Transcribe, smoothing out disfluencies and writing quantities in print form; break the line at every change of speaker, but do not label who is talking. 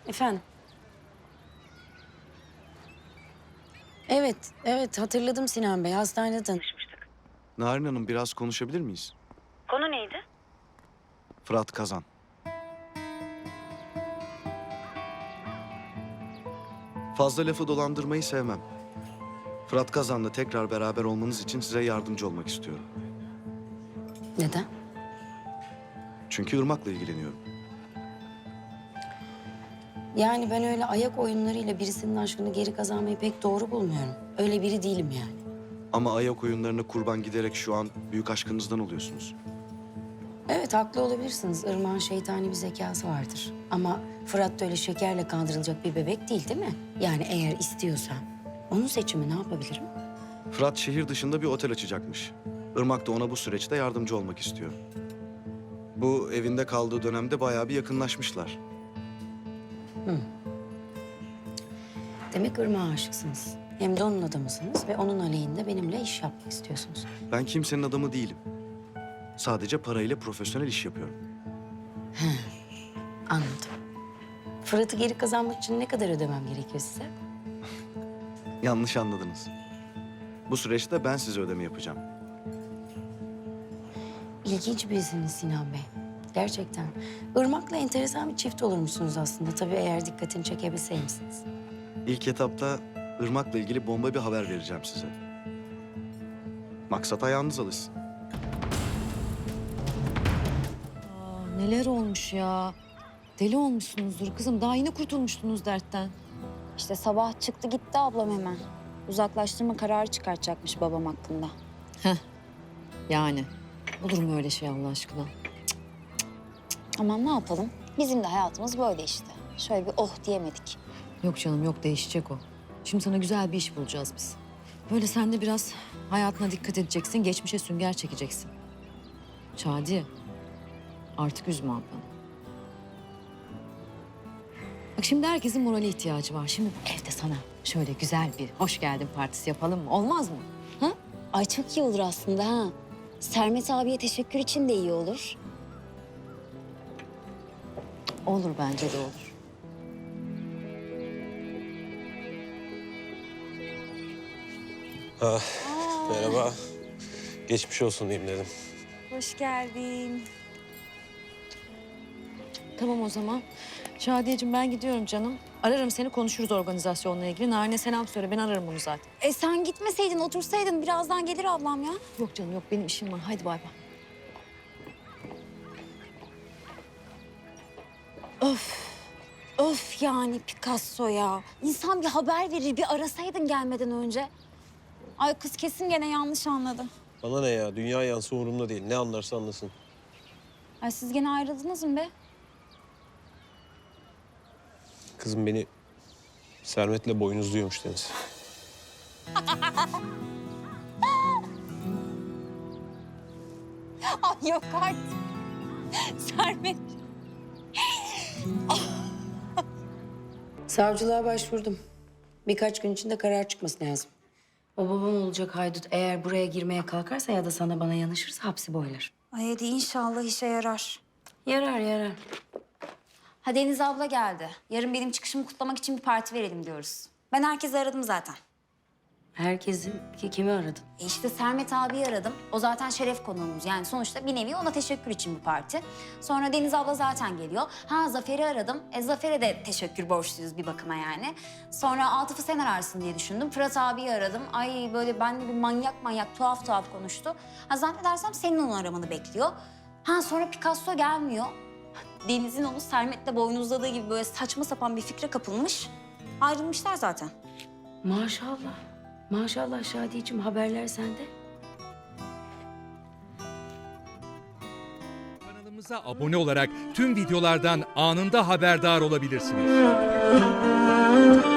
Efendim? Evet hatırladım Sinan Bey. Hastanede tanışmıştık.
Narin Hanım biraz konuşabilir miyiz?
Konu neydi?
Fırat Kazan. Fazla lafı dolandırmayı sevmem. Fırat Kazan'la tekrar beraber olmanız için size yardımcı olmak istiyorum.
Neden?
Çünkü Irmak'la ilgileniyorum.
Yani ben öyle ayak oyunlarıyla birisinin aşkını geri kazanmayı pek doğru bulmuyorum. Öyle biri değilim yani.
Ama ayak oyunlarına kurban giderek şu an büyük aşkınızdan oluyorsunuz.
Evet haklı olabilirsiniz. Irmak'ın şeytani bir zekası vardır. Ama Fırat da öyle şekerle kandırılacak bir bebek değil mi? Yani eğer istiyorsam onun seçimi ne yapabilirim?
Fırat şehir dışında bir otel açacakmış. Irmak da ona bu süreçte yardımcı olmak istiyor. Bu evinde kaldığı dönemde bayağı bir yakınlaşmışlar.
Demek Irmak'a aşıksınız. Hem de onun adamısınız ve onun aleyhinde benimle iş yapmak istiyorsunuz.
Ben kimsenin adamı değilim. Sadece parayla profesyonel iş yapıyorum.
Anladım. Fırat'ı geri kazanmak için ne kadar ödemem gerekiyor size?
Yanlış anladınız. Bu süreçte ben size ödeme yapacağım.
İlginç birisiniz Sinan Bey. Gerçekten. Irmak'la enteresan bir çift olurmuşsunuz aslında. Tabii eğer dikkatini çekebilseymişsiniz.
İlk etapta Irmak'la ilgili bomba bir haber vereceğim size. Maksat ayağınız alışsın.
Neler olmuş ya? Deli olmuşsunuzdur kızım. Daha yeni kurtulmuştunuz dertten.
İşte sabah çıktı gitti ablam hemen. Uzaklaştırma kararı çıkartacakmış babam hakkında.
Yani. Olur mu öyle şey Allah aşkına?
Aman ne yapalım? Bizim de hayatımız böyle işte. Şöyle bir oh diyemedik.
Yok canım yok, değişecek o. Şimdi sana güzel bir iş bulacağız biz. Böyle sen de biraz hayatına dikkat edeceksin. Geçmişe sünger çekeceksin. Şadiye. Artık üzme ablanı. Bak şimdi herkesin morale ihtiyacı var. Şimdi bu evde sana şöyle güzel bir hoş geldin partisi yapalım mı? Olmaz mı? Ha?
Ay çok iyi olur aslında ha. Sermet abiye teşekkür için de iyi olur.
Olur, bence de olur.
Merhaba. Geçmiş olsun diyeyim dedim.
Hoş geldin.
Tamam o zaman. Şadiyeciğim ben gidiyorum canım. Ararım seni, konuşuruz organizasyonla ilgili. Narin'e selam söyle, ben ararım onu zaten.
Sen gitmeseydin otursaydın birazdan gelir ablam ya.
Yok canım yok, benim işim var. Haydi bay bay.
Öf yani Picasso ya. İnsan bir haber verir, bir arasaydın gelmeden önce. Ay kız kesin gene yanlış anladı.
Bana ne ya? Dünya yansı umurumda değil. Ne anlarsa anlasın.
Ay siz gene ayrıldınız mı be?
Kızım beni Sermet'le boynuzluyormuş Deniz.
Ay yok artık. Sermet.
Savcılığa başvurdum. Birkaç gün içinde karar çıkması lazım. O babam olacak haydut eğer buraya girmeye kalkarsa ya da sana bana yanaşırsa hapsi boylar.
Ay hadi inşallah işe yarar.
Yarar.
Ha Deniz abla geldi. Yarın benim çıkışımı kutlamak için bir parti verelim diyoruz. Ben herkesi aradım zaten.
Herkesin kimi aradın?
İşte Sermet abiyi aradım. O zaten şeref konuğumuz. Yani sonuçta bir nevi ona teşekkür için bir parti. Sonra Deniz abla zaten geliyor. Ha Zafer'i aradım. Zafer'e de teşekkür borçluyuz bir bakıma yani. Sonra Atıf'ı sen ararsın diye düşündüm. Fırat abiyi aradım. Ay böyle benimle bir manyak tuhaf konuştu. Ha zannedersem senin onu aramanı bekliyor. Ha sonra Picasso gelmiyor. Deniz'in onu Sermet'le boynuzladığı gibi böyle saçma sapan bir fikre kapılmış. Ayrılmışlar zaten.
Maşallah Şadiyeciğim, haberler sende.
Kanalımıza abone olarak tüm videolardan anında haberdar olabilirsiniz.